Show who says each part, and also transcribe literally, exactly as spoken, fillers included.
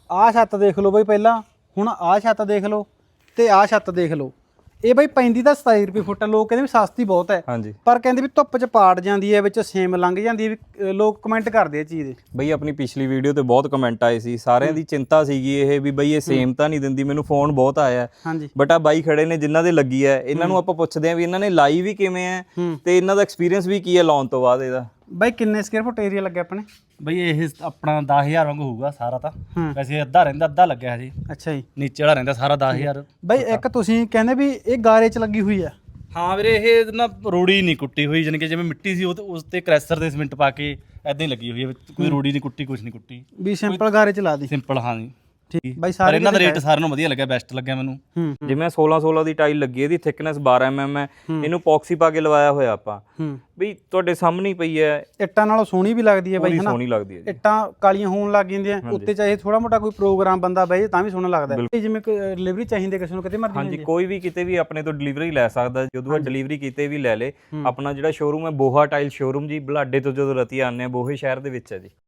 Speaker 1: ਆਹ ਛੱਤ ਦੇਖ ਲਓ ਬਈ ਪਹਿਲਾਂ, ਹੁਣ ਆਹ ਛੱਤ ਦੇਖ ਲਓ ਤੇ ਆਹ ਛੱਤ ਦੇਖ ਲਓ। ਇਹ ਬਈ ਪੈਂਦੀ ਤਾਂ ਸਤਾਈ ਰੁਪਏ ਫੁੱਟ, ਲੋਕ ਕਹਿੰਦੇ ਵੀ ਸਸਤੀ ਬਹੁਤ ਹੈ
Speaker 2: ਹਾਂਜੀ,
Speaker 1: ਪਰ ਕਹਿੰਦੇ ਵੀ ਧੁੱਪ 'ਚ ਪਾੜ ਜਾਂਦੀ ਹੈ, ਵਿੱਚ ਸੇਮ ਲੰਘ ਜਾਂਦੀ ਹੈ, ਵੀ ਲੋਕ ਕਮੈਂਟ ਕਰਦੇ ਆ ਚੀਜ਼ ਦੇ।
Speaker 2: ਬਈ ਆਪਣੀ ਪਿਛਲੀ ਵੀਡੀਓ ਤੇ ਬਹੁਤ ਕਮੈਂਟ ਆਏ ਸੀ, ਸਾਰਿਆਂ ਦੀ ਚਿੰਤਾ ਸੀਗੀ ਇਹ ਵੀ ਬਈ ਇਹ ਸੇਮ ਤਾਂ ਨਹੀਂ ਦਿੰਦੀ। ਮੈਨੂੰ ਫੋਨ ਬਹੁਤ ਆਇਆ,
Speaker 1: ਹਾਂਜੀ
Speaker 2: ਬਟ ਆ ਬਾਈ ਖੜੇ ਨੇ ਜਿਨ੍ਹਾਂ ਦੇ ਲੱਗੀ ਹੈ, ਇਹਨਾਂ ਨੂੰ ਆਪਾਂ ਪੁੱਛਦੇ ਆਂ ਵੀ ਇਹਨਾਂ ਨੇ ਲਾਈ ਵੀ ਕਿਵੇਂ ਹੈ ਤੇ ਇਹਨਾਂ ਦਾ ਐਕਸਪੀਰੀਅੰਸ ਵੀ ਕੀ ਹੈ ਲਾਉਣ ਤੋਂ ਬਾਅਦ ਇਹਦਾ।
Speaker 1: ਬਾਈ ਕਿੰਨੇ ਸਕੁਅਰ ਫੁੱਟ ਏਰੀਆ ਲੱਗਿਆ ਆਪਣੇ?
Speaker 3: ਬਈ ਇਹ ਆਪਣਾ ਦਸ ਹਜ਼ਾਰ ਵਾਂਗ ਹੋਊਗਾ ਸਾਰਾ ਤਾਂ,
Speaker 1: ਹੂੰ।
Speaker 3: ਵੈਸੇ ਅੱਧਾ ਰਹਿੰਦਾ ਅੱਧਾ ਲੱਗਿਆ ਹਜੇ,
Speaker 1: ਅੱਛਾ ਜੀ।
Speaker 3: ਨੀਚੇ ਵਾਲਾ ਰਹਿੰਦਾ ਸਾਰਾ ਦਸ ਹਜ਼ਾਰ।
Speaker 1: ਬਾਈ ਇੱਕ ਤੁਸੀਂ ਕਹਿੰਦੇ ਵੀ ਇਹ ਗਾਰੇ 'ਚ ਲੱਗੀ ਹੋਈ ਆ।
Speaker 3: ਹਾਂ ਵੀਰੇ, ਇਹ ਨਾ ਰੋੜੀ ਨਹੀਂ ਕੁੱਟੀ ਹੋਈ, ਜਾਣੀ ਕਿ ਜਿਵੇਂ ਮਿੱਟੀ ਸੀ ਉਹ ਤੇ ਉਸ ਤੇ ਕ੍ਰੈਸ਼ਰ ਦੇ ਸੀਮਿੰਟ ਪਾ ਕੇ ਐਦਾਂ ਹੀ ਲੱਗੀ ਹੋਈ ਹੈ, ਕੋਈ ਰੋੜੀ ਨਹੀਂ ਕੁੱਟੀ, ਕੁਛ ਨਹੀਂ ਕੁੱਟੀ,
Speaker 1: ਵੀ ਸਿੰਪਲ ਗਾਰੇ 'ਚ ਲਾ ਦੀ।
Speaker 3: ਸਿੰਪਲ। ਹਾਂ ਜੀ
Speaker 1: ਠੀਕ ਬਾਈ,
Speaker 3: ਪਰ
Speaker 1: ਸਾਰੇ
Speaker 3: ਇਹਨਾਂ ਦਾ ਰੇਟ ਸਾਰਿਆਂ ਨੂੰ ਵਧੀਆ ਲੱਗਿਆ, ਬੈਸਟ ਲੱਗਿਆ ਮੈਨੂੰ।
Speaker 1: ਹੂੰ
Speaker 2: ਜਿਵੇਂ ਸੋਲਾਂ ਸੋਲਾਂ ਦੀ ਟਾਈਲ ਲੱਗੀ, ਇਹਦੀ ਥਿਕਨੈਸ ਬਾਰਾਂ ਐਮ ਐਮ ਹੈ, ਇਹਨੂੰ ਪੌਕਸੀ ਪਾ ਕੇ ਲਵਾਇਆ ਹੋਇਆ ਆਪਾਂ।
Speaker 1: ਹੂੰ
Speaker 2: ਬਈ ਤੁਹਾਡੇ ਸਾਹਮਣੇ ਹੀ ਪਈ ਹੈ,
Speaker 1: ਇੱਟਾਂ ਨਾਲੋਂ ਸੋਹਣੀ ਵੀ ਲੱਗਦੀ ਹੈ ਬਾਈ,
Speaker 2: ਬੜੀ
Speaker 1: ਹਨਾ?
Speaker 2: ਸੋਹਣੀ ਲੱਗਦੀ ਹੈ ਜੀ।
Speaker 1: ਇੱਟਾਂ ਕਾਲੀਆਂ ਹੋਣ ਲੱਗ ਜਾਂਦੀਆਂ, ਉੱਤੇ ਚਾਹੇ ਥੋੜਾ ਮੋਟਾ ਕੋਈ ਪ੍ਰੋਗਰਾਮ ਬੰਦਾ ਬਹਿ ਤਾਂ ਵੀ ਸੋਹਣਾ ਲੱਗਦਾ ਹੈ। ਜਿਵੇਂ ਕੋਈ ਡਿਲੀਵਰੀ ਚਾਹੀਦੀ ਕਿਸੇ ਨੂੰ, ਕਿਤੇ ਮਰਜ਼ੀ
Speaker 2: ਹਾਂਜੀ, ਕੋਈ ਵੀ ਕਿਤੇ ਵੀ ਆਪਣੇ ਤੋਂ ਡਿਲੀਵਰੀ ਲੈ ਸਕਦਾ, ਜਦੋਂ ਡਿਲੀਵਰੀ ਕੀਤੇ ਵੀ ਲੈ ਲੇ। ਆਪਣਾ ਜਿਹੜਾ ਸ਼ੋਰੂਮ ਹੈ ਬੋਹਾ ਟਾਈਲ ਸ਼ੋਰੂਮ ਜੀ, ਬੁਲਾਡੇ ਤੋਂ ਜਦੋਂ ਰਤੀ ਆਉਂਦੇ ਆ, ਬੋਹੇ ਸ਼ਹਿਰ ਦੇ ਵਿੱਚ ਹੈ ਜੀ।